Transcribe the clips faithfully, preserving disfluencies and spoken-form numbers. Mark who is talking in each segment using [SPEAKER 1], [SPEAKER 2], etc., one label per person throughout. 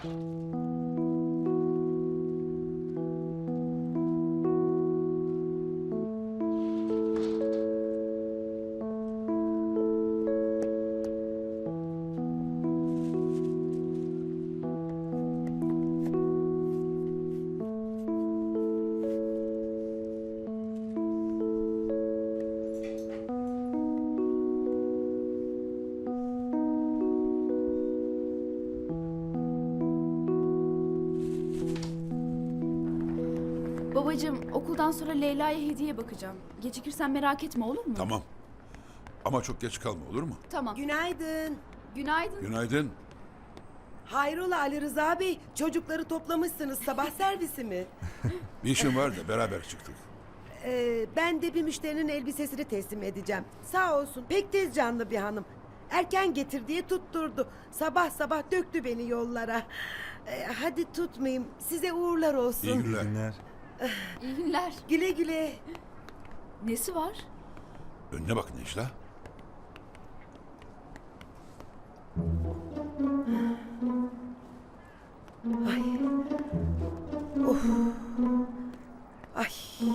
[SPEAKER 1] Babacığım, okuldan sonra Leyla'ya hediye bakacağım. Gecikirsen merak etme, olur mu?
[SPEAKER 2] Tamam. Ama çok geç kalma, olur mu?
[SPEAKER 1] Tamam.
[SPEAKER 3] Günaydın.
[SPEAKER 1] Günaydın.
[SPEAKER 2] Günaydın.
[SPEAKER 3] Hayrola Ali Rıza Bey, çocukları toplamışsınız, sabah servisi mi?
[SPEAKER 2] Bir işim var da beraber çıktık.
[SPEAKER 3] Ee, ben de bir müşterinin elbisesini teslim edeceğim. Sağ olsun, pek tez canlı bir hanım. Erken getir diye tutturdu. Sabah sabah döktü beni yollara. Ee, hadi tutmayayım, size uğurlar olsun.
[SPEAKER 2] İyi günler.
[SPEAKER 4] Günler.
[SPEAKER 1] İyi günler.
[SPEAKER 3] Güle güle.
[SPEAKER 1] Nesi var?
[SPEAKER 2] Önüne bak Necla.
[SPEAKER 3] Ay. Of. Ay.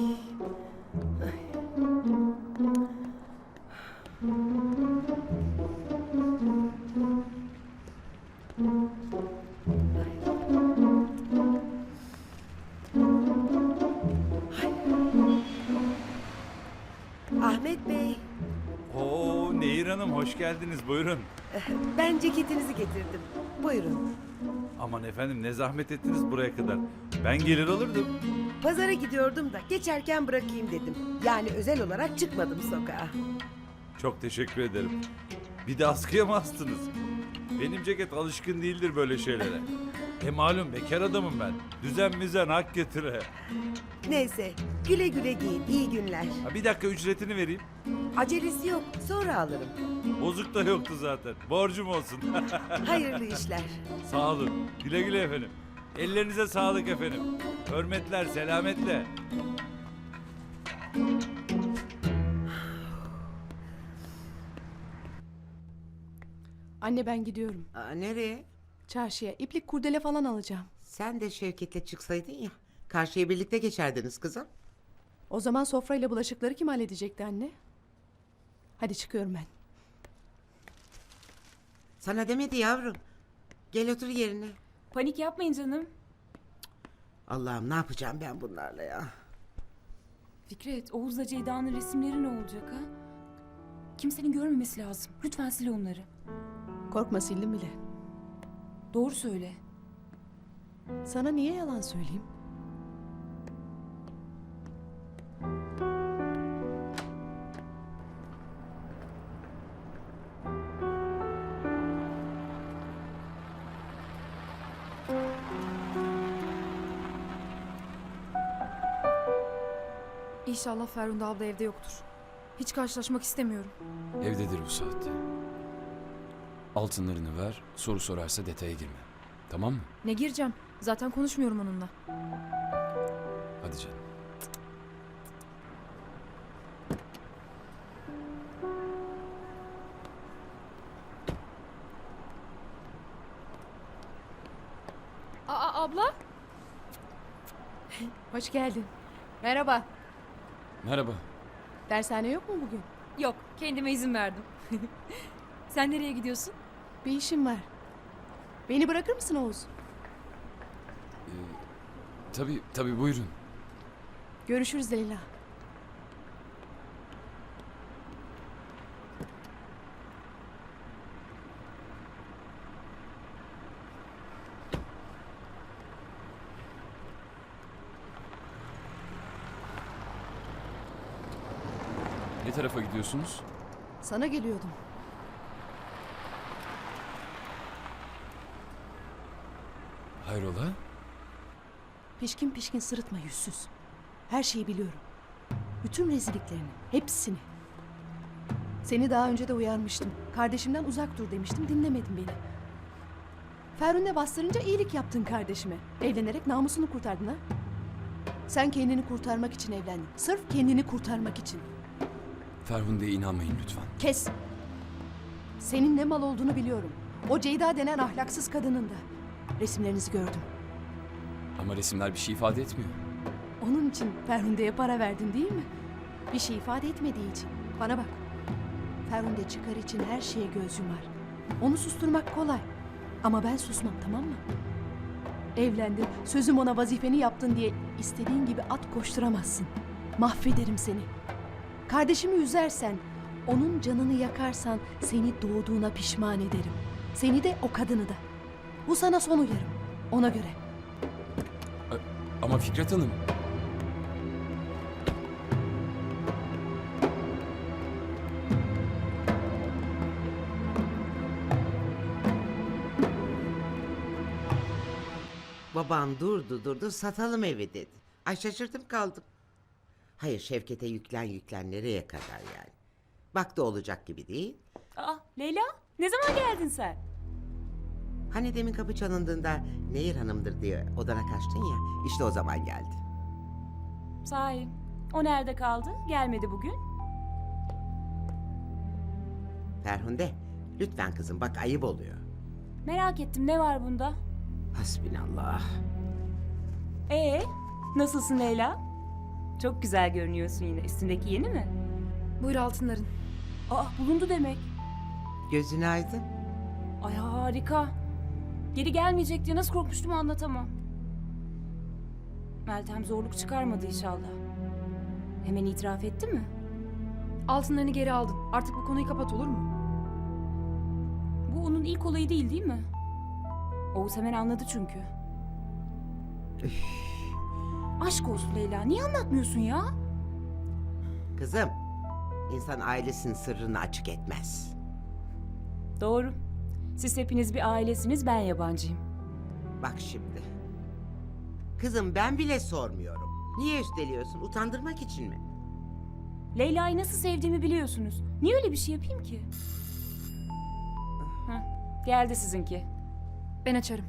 [SPEAKER 3] Ahmet Bey,
[SPEAKER 4] Oo Nehir Hanım hoş geldiniz buyurun.
[SPEAKER 3] ben ceketinizi getirdim. Buyurun.
[SPEAKER 4] Aman efendim ne zahmet ettiniz buraya kadar. Ben gelir alırdım.
[SPEAKER 3] Pazara gidiyordum da geçerken bırakayım dedim. Yani özel olarak çıkmadım sokağa.
[SPEAKER 4] Çok teşekkür ederim. Bir de askıya mı astınız? Benim ceket alışkın değildir böyle şeylere. E malum bekar adamım ben. Düzen müzen hak getire.
[SPEAKER 3] Neyse, güle güle giyin. İyi günler.
[SPEAKER 4] Ha, bir dakika ücretini vereyim.
[SPEAKER 3] Acelesi yok, sonra alırım.
[SPEAKER 4] Bozuk da yoktu zaten. Borcum olsun.
[SPEAKER 3] Hayırlı işler.
[SPEAKER 4] Sağ olun. Güle güle efendim. Ellerinize sağlık efendim. Hürmetler, selametle.
[SPEAKER 5] Anne ben gidiyorum.
[SPEAKER 3] Aa, nereye?
[SPEAKER 5] Çarşıya iplik kurdele falan alacağım.
[SPEAKER 3] Sen de Şevket'le çıksaydın ya. Karşıya birlikte geçerdiniz kızım.
[SPEAKER 5] O zaman sofrayla bulaşıkları kim halledecekti anne? Hadi çıkıyorum ben.
[SPEAKER 3] Sana demedi yavrum. Gel otur yerine.
[SPEAKER 6] Panik yapmayın canım.
[SPEAKER 3] Allah'ım ne yapacağım ben bunlarla ya?
[SPEAKER 6] Fikret, Oğuz'la Ceyda'nın resimleri ne olacak ha? Kimsenin görmemesi lazım. Lütfen sil onları.
[SPEAKER 5] Korkma sildim bile.
[SPEAKER 6] Doğru söyle.
[SPEAKER 5] Sana niye yalan söyleyeyim?
[SPEAKER 7] İnşallah Ferhunde abla evde yoktur. Hiç karşılaşmak istemiyorum.
[SPEAKER 8] Evdedir bu saatte. Altınlarını ver, soru sorarsa detaya girme. Tamam mı?
[SPEAKER 7] Ne gireceğim? Zaten konuşmuyorum onunla.
[SPEAKER 8] Hadi canım.
[SPEAKER 7] Aa abla?
[SPEAKER 5] Hoş geldin. Merhaba.
[SPEAKER 8] Merhaba.
[SPEAKER 5] Dershane yok mu bugün?
[SPEAKER 7] Yok, kendime izin verdim.
[SPEAKER 6] Sen nereye gidiyorsun?
[SPEAKER 5] Bir işim var. Beni bırakır mısın Oğuz?
[SPEAKER 8] Ee, tabii, tabii buyurun.
[SPEAKER 5] Görüşürüz Leyla.
[SPEAKER 8] Ne tarafa gidiyorsunuz?
[SPEAKER 5] Sana geliyordum.
[SPEAKER 8] Hayrola?
[SPEAKER 5] Pişkin pişkin sırıtma yüzsüz. Her şeyi biliyorum. Bütün rezilliklerini, hepsini. Seni daha önce de uyarmıştım. Kardeşimden uzak dur demiştim, dinlemedin beni. Ferhunde bastırınca iyilik yaptın kardeşime. Evlenerek namusunu kurtardın ha? Sen kendini kurtarmak için evlendin. Sırf kendini kurtarmak için.
[SPEAKER 8] Ferhunde'ye inanmayın lütfen.
[SPEAKER 5] Kes! Senin ne mal olduğunu biliyorum. O Ceyda denen ahlaksız kadının da. Resimlerinizi gördüm.
[SPEAKER 8] Ama resimler bir şey ifade etmiyor.
[SPEAKER 5] Onun için Ferhunde'ye para verdin değil mi? Bir şey ifade etmediği için. Bana bak. Ferhunde çıkar için her şeye göz yumar. Onu susturmak kolay. Ama ben susmam, tamam mı? Evlendin, sözüm ona vazifeni yaptın diye istediğin gibi at koşturamazsın. Mahvederim seni. Kardeşimi üzersen, onun canını yakarsan seni doğduğuna pişman ederim. Seni de o kadını da. Bu sana son uyarım. Ona göre.
[SPEAKER 8] Ama Fikret Hanım...
[SPEAKER 9] Baban durdu durdu satalım evi dedi. Ay şaşırdım kaldım. Hayır Şevket'e yüklen yüklen nereye kadar yani. Bak da olacak gibi değil.
[SPEAKER 6] Aa Leyla ne zaman geldin sen?
[SPEAKER 9] Hani demin kapı çalındığında Nehir Hanım'dır diye odana kaçtın ya. İşte o zaman geldi.
[SPEAKER 6] Sahi o nerede kaldı? Gelmedi bugün.
[SPEAKER 9] Ferhunde lütfen kızım bak ayıp oluyor.
[SPEAKER 6] Merak ettim ne var bunda?
[SPEAKER 9] Hasbinallah.
[SPEAKER 6] Ee nasılsın Leyla? Çok güzel görünüyorsun yine. Üstündeki yeni mi?
[SPEAKER 7] Buyur altınların.
[SPEAKER 6] Aa bulundu demek.
[SPEAKER 9] Gözün aydın.
[SPEAKER 6] Ay harika. Geri gelmeyecek diye nasıl korkmuştum anlatamam. Meltem zorluk çıkarmadı inşallah. Hemen itiraf etti mi?
[SPEAKER 7] Altınlarını geri aldın. Artık bu konuyu kapat, olur mu?
[SPEAKER 6] Bu onun ilk olayı değil değil mi? Oğuz hemen anladı çünkü. Aşk olsun Leyla. Niye anlatmıyorsun ya?
[SPEAKER 9] Kızım insan ailesinin sırrını açık etmez.
[SPEAKER 6] Doğru. Siz hepiniz bir ailesiniz, ben yabancıyım.
[SPEAKER 9] Bak şimdi. Kızım ben bile sormuyorum. Niye üsteliyorsun? Utandırmak için mi?
[SPEAKER 6] Leyla'yı nasıl sevdiğimi biliyorsunuz. Niye öyle bir şey yapayım ki? Heh, geldi sizinki.
[SPEAKER 7] Ben açarım.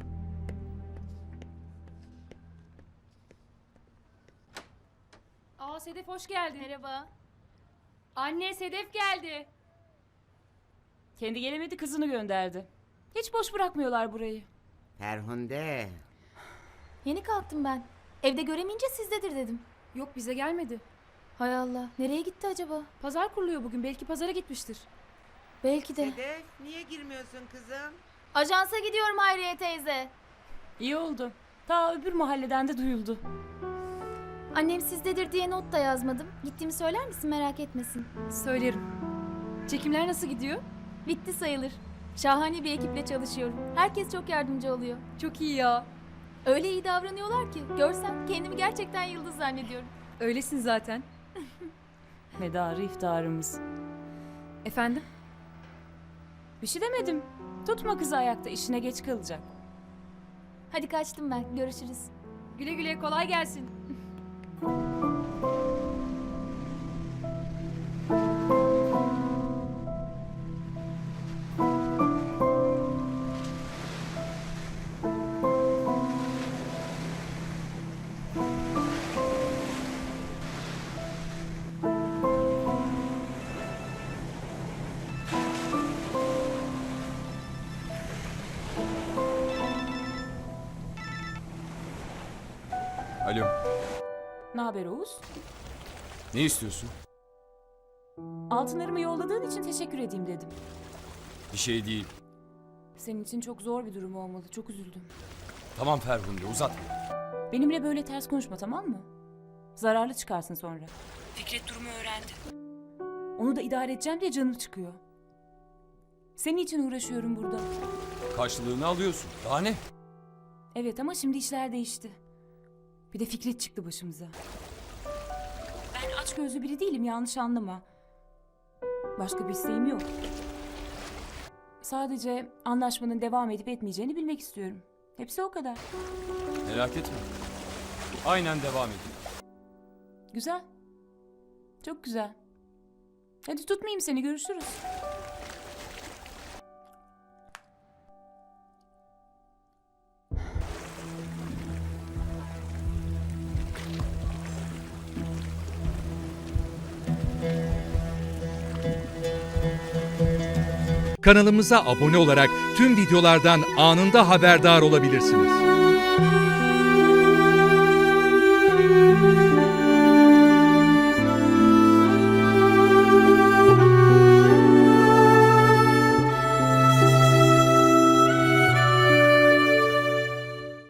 [SPEAKER 6] Aa Sedef hoş geldin. Merhaba. Anne Sedef geldi. Kendi gelemedi kızını gönderdi. Hiç boş bırakmıyorlar burayı.
[SPEAKER 9] Ferhunde.
[SPEAKER 10] Yeni kalktım ben. Evde göremeyince sizdedir dedim.
[SPEAKER 7] Yok, bize gelmedi.
[SPEAKER 10] Hay Allah. Nereye gitti acaba?
[SPEAKER 7] Pazar kuruluyor bugün. Belki pazara gitmiştir.
[SPEAKER 10] Belki de.
[SPEAKER 9] Sedef niye girmiyorsun kızım?
[SPEAKER 10] Ajansa gidiyorum Hayriye teyze.
[SPEAKER 6] İyi oldu. Ta öbür mahalleden de duyuldu.
[SPEAKER 10] Annem sizdedir diye not da yazmadım. Gittiğimi söyler misin, merak etmesin.
[SPEAKER 7] Söylerim. Çekimler nasıl gidiyor?
[SPEAKER 10] Bitti sayılır. Şahane bir ekiple çalışıyorum. Herkes çok yardımcı oluyor.
[SPEAKER 7] Çok iyi ya.
[SPEAKER 10] Öyle iyi davranıyorlar ki görsen kendimi gerçekten yıldız zannediyorum.
[SPEAKER 7] Öylesin zaten.
[SPEAKER 6] Medarı iftarımız.
[SPEAKER 7] Efendim?
[SPEAKER 6] Bir şey demedim. Tutma kızı ayakta, işine geç kalacak.
[SPEAKER 10] Hadi kaçtım ben. Görüşürüz.
[SPEAKER 7] Güle güle, kolay gelsin.
[SPEAKER 8] Alo,
[SPEAKER 6] Ne haber Oğuz?
[SPEAKER 8] ne istiyorsun?
[SPEAKER 6] Altınlarımı yolladığın için teşekkür edeyim dedim.
[SPEAKER 8] Bir şey değil.
[SPEAKER 6] Senin için çok zor bir durum olmalı. Çok üzüldüm.
[SPEAKER 8] Tamam Ferhunde, uzatma.
[SPEAKER 6] Benimle böyle ters konuşma, tamam mı? Zararlı çıkarsın sonra. Fikret durumu öğrendi. Onu da idare edeceğim diye canım çıkıyor. Senin için uğraşıyorum burada.
[SPEAKER 8] Karşılığını alıyorsun. Daha ne?
[SPEAKER 6] Evet ama şimdi işler değişti. Bir de Fikret çıktı başımıza. Ben açgözlü biri değilim, yanlış anlama. Başka bir isteğim yok. Sadece anlaşmanın devam edip etmeyeceğini bilmek istiyorum. Hepsi o kadar.
[SPEAKER 8] Merak etme. Aynen devam edin.
[SPEAKER 6] Güzel. Çok güzel. Hadi tutmayayım seni, görüşürüz.
[SPEAKER 11] Kanalımıza abone olarak tüm videolardan anında haberdar olabilirsiniz.